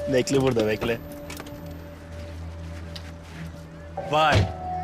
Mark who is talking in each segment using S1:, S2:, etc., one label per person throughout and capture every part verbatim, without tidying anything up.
S1: Bekle burada, bekle. Vay.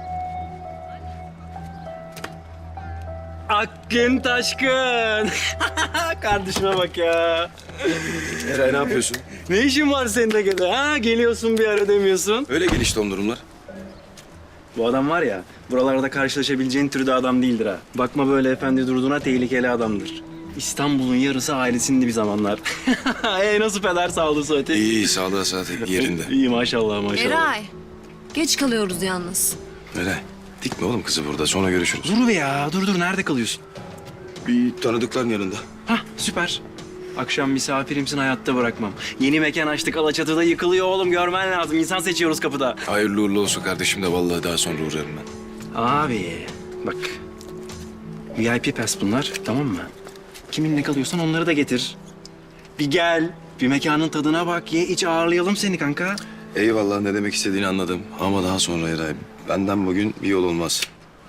S1: Akgün Taşkın. Kardeşime bak ya.
S2: Eray ne yapıyorsun?
S1: Ne işin var senin de gene? Ha, geliyorsun bir ara demiyorsun.
S2: Öyle gelişti o durumlar.
S1: Bu adam var ya, buralarda karşılaşabileceğin türde adam değildir ha. Bakma böyle efendi durduğuna, tehlikeli adamdır. İstanbul'un yarısı ailesindi bir zamanlar. e nasıl peder sağlığı sıhhati?
S2: İyi iyi sağlığa saati yerinde.
S1: İyi maşallah maşallah.
S3: Eray, geç kalıyoruz yalnız.
S2: Eray dikme oğlum kızı burada sonra görüşürüz.
S1: Dur be ya, dur dur. Nerede kalıyorsun?
S2: Bir tanıdıkların yanında.
S1: Hah, süper. Akşam misafirimsin, hayatta bırakmam. Yeni mekan açtık, Alaçatı'da yıkılıyor oğlum. Görmen lazım. İnsan seçiyoruz kapıda.
S2: Hayırlı uğurlu olsun kardeşim de vallahi daha sonra uğrarım ben.
S1: Abi bak. V I P pass bunlar, tamam mı? Kiminle kalıyorsan onları da getir. Bir gel, bir mekanın tadına bak, ye iç, ağırlayalım seni kanka.
S2: Eyvallah ne demek istediğini anladım ama daha sonra Eray benden bugün bir yol olmaz.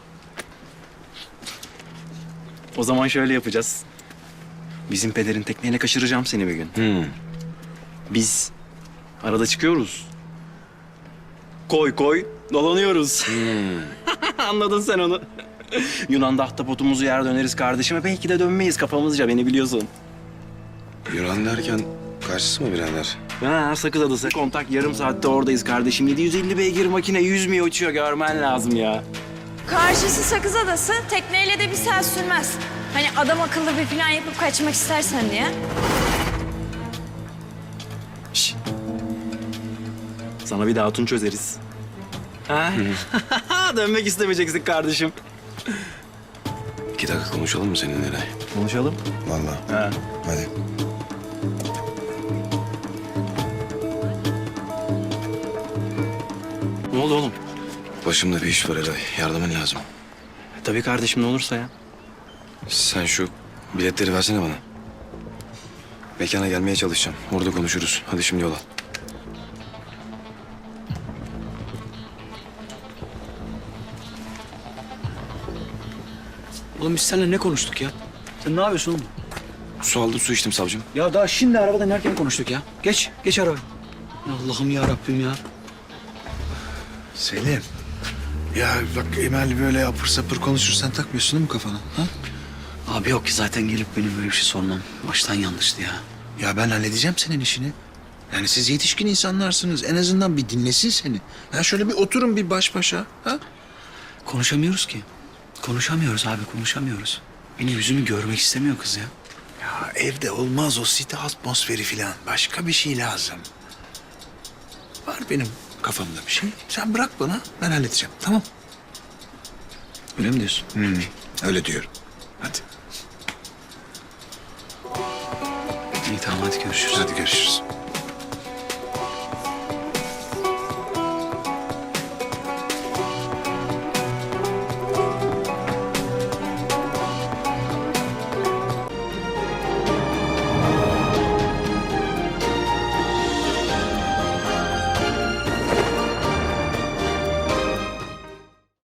S1: O zaman şöyle yapacağız. Bizim pederin tekneyle kaçıracağım seni bir gün.
S2: Hmm.
S1: Biz arada çıkıyoruz. Koy koy, dolanıyoruz. Anladın sen onu. Yunan'da ahtapotumuzu yer döneriz kardeşime. Belki de dönmeyiz kafamızca, beni biliyorsun.
S2: Yunan derken karşısı mı birader?
S1: Ha, Sakız Adası. Kontak yarım saatte oradayız kardeşim. yedi yüz elli beygir makine yüzmüyor, uçuyor. Görmen lazım ya.
S3: Karşısı Sakız Adası, tekneyle de bir saat sürmez. Hani adam akıllı bir plan yapıp kaçmak istersen diye.
S1: Şş. Sana bir de hatun çözeriz. Ha? Dönmek istemeyeceksin kardeşim.
S2: İki dakika konuşalım mı seninle Eray?
S1: Konuşalım.
S2: Vallahi.
S1: Ha.
S2: Hadi.
S1: Ne oldu oğlum?
S2: Başımda bir iş var Eray. Yardımın lazım.
S1: Tabii kardeşim, ne olursa ya.
S2: Sen şu biletleri versene bana. Mekana gelmeye çalışacağım. Orada konuşuruz. Hadi şimdi yola.
S4: Oğlum biz seninle ne konuştuk ya? Sen ne yapıyorsun oğlum?
S2: Su aldım, su içtim savcım.
S4: Ya daha şimdi arabada inerken konuştuk ya. Geç, geç arabaya. Allah'ım ya Rabbim ya.
S5: Selim. Ya bak Emel böyle apır sapır konuşur, sen takmıyorsun değil mi kafana? Ha?
S4: Abi yok ki zaten gelip benim böyle bir şey sormam. Baştan yanlıştı ya.
S5: Ya ben halledeceğim senin işini. Yani siz yetişkin insanlarsınız. En azından bir dinlesin seni. Ya şöyle bir oturun bir baş başa. Ha?
S4: Konuşamıyoruz ki. Konuşamıyoruz abi, konuşamıyoruz. Benim yüzümü görmek istemiyor kız ya.
S5: Ya evde olmaz o site atmosferi falan. Başka bir şey lazım. Var benim kafamda bir şey. Sen bırak bana, ben halledeceğim. Tamam.
S4: Öyle mi diyorsun?
S5: Hmm, öyle diyorum. Hadi.
S4: İyi tamam hadi görüşürüz.
S5: Hadi görüşürüz.